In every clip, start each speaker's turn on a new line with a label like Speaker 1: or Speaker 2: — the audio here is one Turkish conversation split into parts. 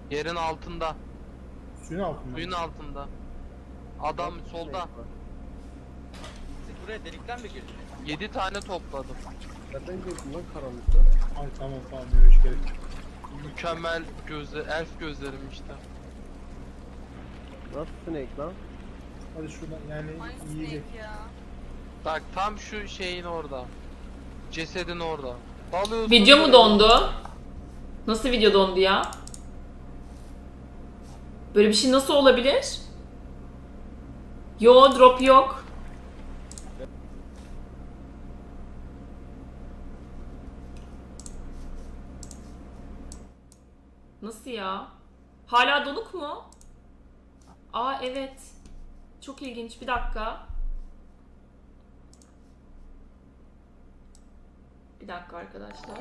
Speaker 1: Yerin altında.
Speaker 2: Suyun altında.
Speaker 1: Suyun altında. Adam solda.
Speaker 3: Siz buraya delikten mi girdiniz?
Speaker 1: 7 tane topladım.
Speaker 4: Nereden gördün lan karanlıkta?
Speaker 2: Ay tamam diyor hiç gerek yok.
Speaker 1: Mükemmel elf gözlerim işte.
Speaker 4: Nasıl snake lan?
Speaker 2: Hadi şuradan yani
Speaker 5: Ay
Speaker 2: yiyecek.
Speaker 5: snake ya.
Speaker 1: Bak tam şu şeyin orada. Cesedin orada. Dalıyorsun.
Speaker 6: Video mu dondu? Nasıl video dondu ya? Böyle bir şey nasıl olabilir? Yo, drop yok. Nasıl ya? Hala donuk mu? Aa evet. Çok ilginç. Bir dakika. Bir dakika arkadaşlar.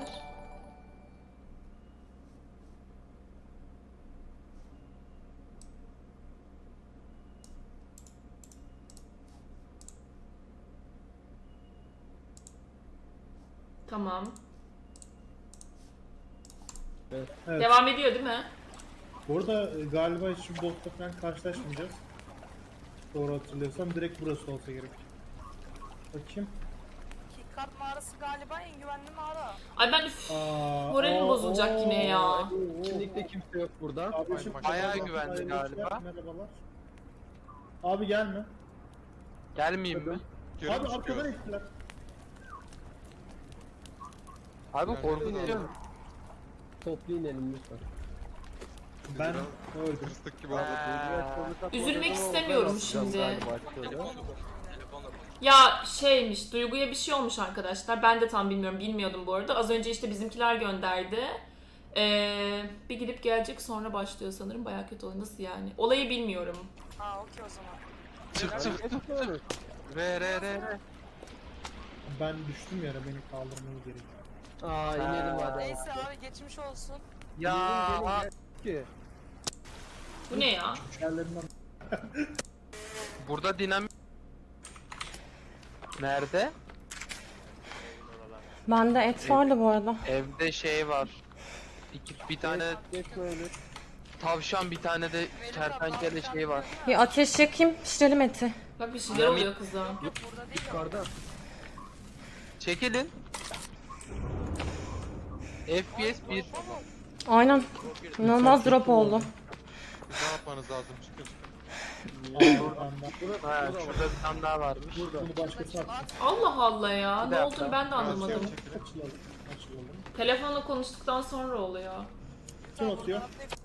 Speaker 6: Tamam.
Speaker 2: Evet.
Speaker 6: Devam ediyor değil mi?
Speaker 2: Bu arada galiba hiç botla falan karşılaşmayacağız. Doğru hatırlıyorsam direkt burası olsa gerek. Bakayım.
Speaker 5: Keycard mağarası galiba en güvenli mağara.
Speaker 6: Ay ben üf. Moralim
Speaker 2: Moralim
Speaker 6: bozulacak yine ya.
Speaker 4: Kesinlikle kimse yok burada.
Speaker 2: Abi şimdi
Speaker 1: Bayağı
Speaker 2: merhaba,
Speaker 1: güvenli
Speaker 2: hayırlı
Speaker 1: galiba.
Speaker 2: işler, merhabalar. Abi gelme.
Speaker 1: Gelmeyeyim mi?
Speaker 2: Abi arkadan ettiler.
Speaker 1: Abi korkutuyor.
Speaker 4: Toplu inelim lütfen.
Speaker 2: Ben öldüm.
Speaker 7: Kıstık gibi
Speaker 6: Üzülmek istemiyorum şimdi.
Speaker 3: Telefonla.
Speaker 6: Ya şeymiş, Duygu'ya bir şey olmuş arkadaşlar. Ben de tam bilmiyordum bu arada. Az önce işte bizimkiler gönderdi. Bir gidip gelecek sonra başlıyor sanırım. Bayağı kötü oluyor. Nasıl yani? Olayı bilmiyorum.
Speaker 5: Aa okey o zaman.
Speaker 1: Çık. Re.
Speaker 2: Ben düştüm yere, beni kaldırmanız gerekiyor.
Speaker 4: Aa inelim hadi.
Speaker 5: Neyse abi geçmiş olsun.
Speaker 1: Ya
Speaker 4: Ki.
Speaker 6: Bu ne ya?
Speaker 2: Yerlerinden
Speaker 1: burada dinamik. Nerede?
Speaker 8: Bende et vardı bu arada.
Speaker 1: Evde şey var. Bir tane
Speaker 4: Geçme öyle.
Speaker 1: tavşan, bir tane de kertenkele şey var.
Speaker 8: Bir ateş yakayım, pişirelim eti.
Speaker 6: Bak bir şeyler oluyor kıza.
Speaker 5: Yok burada değil o.
Speaker 4: Yukarıda.
Speaker 1: Çekilin. FPS 1.
Speaker 8: Aynen. İnanılmaz drop oldu.
Speaker 7: Ne yapmanız lazım? Çıkın.
Speaker 1: Ha, şurada bir tane daha varmış.
Speaker 2: bunu başkası atsın.
Speaker 6: Allah Allah ya.
Speaker 1: Bir
Speaker 6: Ne
Speaker 1: dakika.
Speaker 6: olduğunu ben de anlamadım.
Speaker 2: Açılalım. Açılalım.
Speaker 6: Telefonla konuştuktan sonra oluyor.
Speaker 2: Kim atıyor?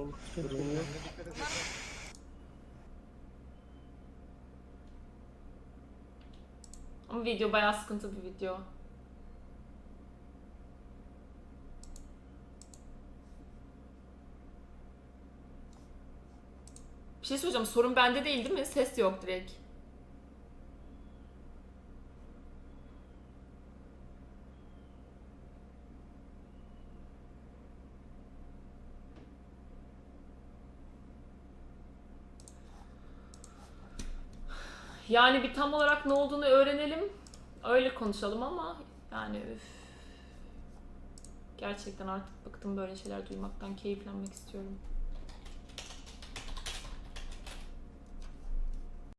Speaker 6: Ama video bayağı sıkıntı bir video. Bir şey söyleyeceğim. Sorun bende değil mi? Ses yok direkt. Yani bir tam olarak ne olduğunu öğrenelim. Öyle konuşalım ama yani üf. Gerçekten artık bıktım böyle şeyler duymaktan. Keyiflenmek istiyorum.